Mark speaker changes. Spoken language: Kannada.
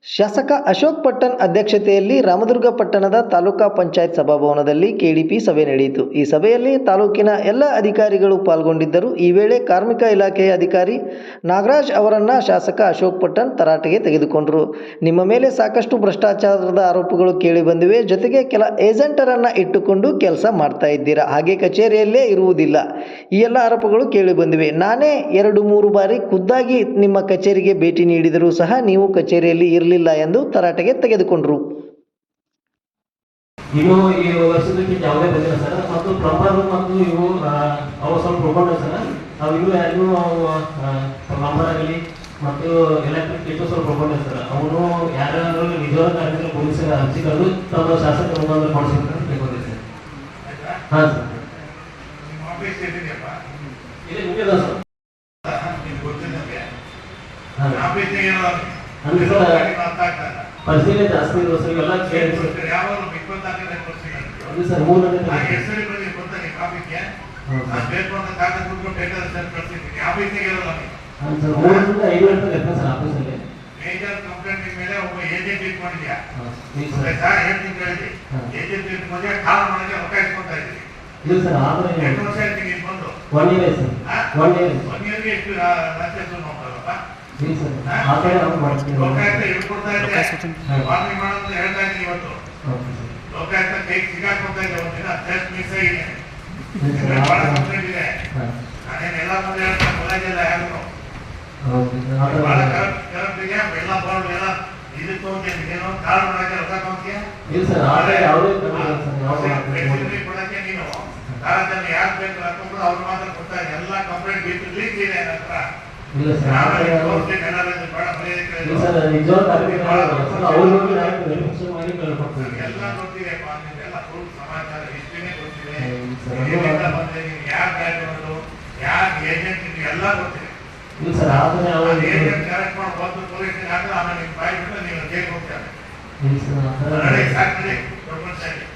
Speaker 1: ಶಾಸಕ ಅಶೋಕ್ ಪಟ್ಟಣ್ ಅಧ್ಯಕ್ಷತೆಯಲ್ಲಿ ರಾಮದುರ್ಗ ಪಟ್ಟಣದ ತಾಲೂಕಾ ಪಂಚಾಯತ್ ಸಭಾಭವನದಲ್ಲಿ ಕೆಡಿಪಿ ಸಭೆ ನಡೆಯಿತು. ಈ ಸಭೆಯಲ್ಲಿ ತಾಲೂಕಿನ ಎಲ್ಲ ಅಧಿಕಾರಿಗಳು ಪಾಲ್ಗೊಂಡಿದ್ದರು. ಈ ವೇಳೆ ಕಾರ್ಮಿಕ ಇಲಾಖೆಯ ಅಧಿಕಾರಿ ನಾಗರಾಜ್ ಅವರನ್ನು ಶಾಸಕ ಅಶೋಕ್ ಪಟ್ಟಣ್ ತರಾಟೆಗೆ ತೆಗೆದುಕೊಂಡರು. ನಿಮ್ಮ ಮೇಲೆ ಸಾಕಷ್ಟು ಭ್ರಷ್ಟಾಚಾರದ ಆರೋಪಗಳು ಕೇಳಿಬಂದಿವೆ, ಜೊತೆಗೆ ಕೆಲ ಏಜೆಂಟರನ್ನು ಇಟ್ಟುಕೊಂಡು ಕೆಲಸ ಮಾಡ್ತಾ ಇದ್ದೀರಾ, ಹಾಗೆ ಕಚೇರಿಯಲ್ಲೇ ಇರುವುದಿಲ್ಲ, ಈ ಎಲ್ಲ ಆರೋಪಗಳು ಕೇಳಿಬಂದಿವೆ. ನಾನೇ 2-3 ಬಾರಿ ಖುದ್ದಾಗಿ ನಿಮ್ಮ ಕಚೇರಿಗೆ ಭೇಟಿ ನೀಡಿದರೂ ಸಹ ನೀವು ಕಚೇರಿಯಲ್ಲಿ ಇರಲಿಲ್ಲ ಎಂದು ತರಾಟೆಗೆ ತೆಗೆದುಕೊಂಡರು.
Speaker 2: ಇವು ಈ ವರ್ಷದಕ್ಕೆ ಯಾವುದೇ ಬಂದಿಲ್ಲ ಸರ್. ಮತ್ತು ಪ್ಲಂಬರ್ ಮತ್ತು ಇವು ಅವು ಸ್ವಲ್ಪ ಉಳ್ಕೊಂಡ ಸರ್. ನಾವು ಇವು ಯಾರು ಪ್ಲಂಬರ್ ಆಗಲಿ ಮತ್ತು ಎಲೆಕ್ಟ್ರಿಕ್ ಇಟ್ಟು ಸ್ವಲ್ಪ ಉಳ್ಕೊಂಡೆ ಸರ್. ಅವನು ಯಾರು ನಿಜವಾದ ಕಾರ್ಮಿಕರು ಪೊಲೀಸರ ಅರ್ಜಿಗಳು ತಮ್ಮ ಶಾಸಕ ಕೊಡಿಸಿದ್ರೆ ಬೇಕೋದೆ ಸರ್. ಹಾಂ ಸರ್, ಇದೆ ಮುಗಿದ ಸರ್. ಅಂದ್ರೆ ಸರ್ ಪರಿಶೀಲನೆ ಜಾಸ್ತಿ ಇರುವ ಸರ್, ಎಲ್ಲ ಕೇಳಿ ಸರ್. ಅದು ಸರ್ 3 ಗಂಟೆ ಸರ್ 3 ಗಂಟೆ 5 ಗಂಟೆ ಸರ್ ಆಫೀಸಲ್ಲಿ
Speaker 3: ಮೇಜರ್ ಕಂಪ್ಲೇಂಟ್ ಮೇಲೆ ಒಬ್ಬ ಏಜೆಂಟ್ ಇಟ್ಕೊಂಡಿದ್ಯಾ? ಏಜೆಂಟ್ ಇಟ್ಕೊಂಡ್ರೆ ಕಾಲ ಮಾಡಕ್ಕೆ ಅವಕಾಶ ಕೊಡ್ತಾ ಇದ್ದೀವಿ.
Speaker 2: ಇಲ್ಲ ಸರ್, ಆದರೆ
Speaker 3: 2 ವರ್ಷ ಆಯ್ತು ನೀನು ಬಂದು.
Speaker 2: 1 ಇಯರ್ ಸರ್. 1
Speaker 3: ಇಯರ್ಗೆ ಎಷ್ಟು ಲಂಚ ನೋಡ್ತಾರಪ್ಪ?
Speaker 2: ಇಲ್ಲ ಸರ್, ಆ ಕಡೆ ನಾವು ಮಾಡ್ತೀವಿ.
Speaker 3: ಲೋಕಾಯುಕ್ತ ಹಿಡ್ಕೊಡ್ತಾ ಇದೆ, ವಾರ್ನಿಂಗ್ ಮಾಡೋದು ಹೇಳ್ತಾ ಇದ್ದೀನಿ ಇವತ್ತು. ಲೋಕಾಯುಕ್ತ ಕೈ ಸಿಗಾಕೊಡ್ತಾ ಇದೆ, ಒಂದಿನ ಟೆಸ್ಟ್ ಮಿಸ್ ಆಗಿದೆ, ಬಹಳ ಕಂಪ್ಲೇಂಟ್ ಇದೆ. ನಾನೇನು ಎಲ್ಲ ಮುಂದೆ ಹೇಳ್ತಾ ಕಾಲೇಜೆಲ್ಲ ಯಾರು ಬಹಳ ಕರೆಕ್ಟ್ ಇದೆ. ಎಲ್ಲ ಬರೋದು ಎಲ್ಲ ಇದಕ್ಕೆ ಹೋಗ್ತೀನಿ, ಏನೋ ಕಾಲ್ ಮಾಡಕ್ಕೆ ರೊಕ್ಕ ತಗೊಂತೀಯ?
Speaker 2: ಇಲ್ಲ ಸರ್, ಆದರೆ ಯಾವುದೇ
Speaker 3: ಕೊಡಕ್ಕೆ ನೀನು ಕಾಲೇಜಲ್ಲಿ ಯಾರು ಬೇಕು ಹಾಕೊಂಡು ಅವ್ರು ಮಾತ್ರ ಕೊಡ್ತಾ ಇದೆ. ಎಲ್ಲ ಕಂಪ್ಲೇಂಟ್ ಬಿಟ್ಟು ಲೀಕ್ ಇದೆ ನನ್ನ ಹತ್ರ.
Speaker 2: ಇಲ್ಲ ಸರ್,
Speaker 3: ಎಲ್ಲ ಗೊತ್ತಿದೆ, ಎಲ್ಲ ಫುಲ್ ಸಮಾಚಾರ ಹಿಸ್ಟ್ರಿನೇ ಗೊತ್ತಿದೆ. ಯಾರು ಬ್ಯಾಕ್ಗ್ರೌಂಡು, ಯಾರು ಏಜೆಂಟ್ ಎಲ್ಲ ಗೊತ್ತಿದೆ.
Speaker 2: ಇಲ್ಲ ಸರ್, ಆದರೆ
Speaker 3: ಏಜೆಂಟ್ ಕರೆಕ್ಟ್ ಮಾಡಿ ಬಂದು ಪೊಲೀಸ್ ಆಮೇಲೆ ನಿಮ್ಮ ಬಾಯಿ ಬಿಟ್ಟು ನೀವು ಜೈಲಿಗೆ ಹೋಗ್ತಾರೆ.
Speaker 2: ಇಲ್ಲ ಸರ್,
Speaker 3: ಸಾಕು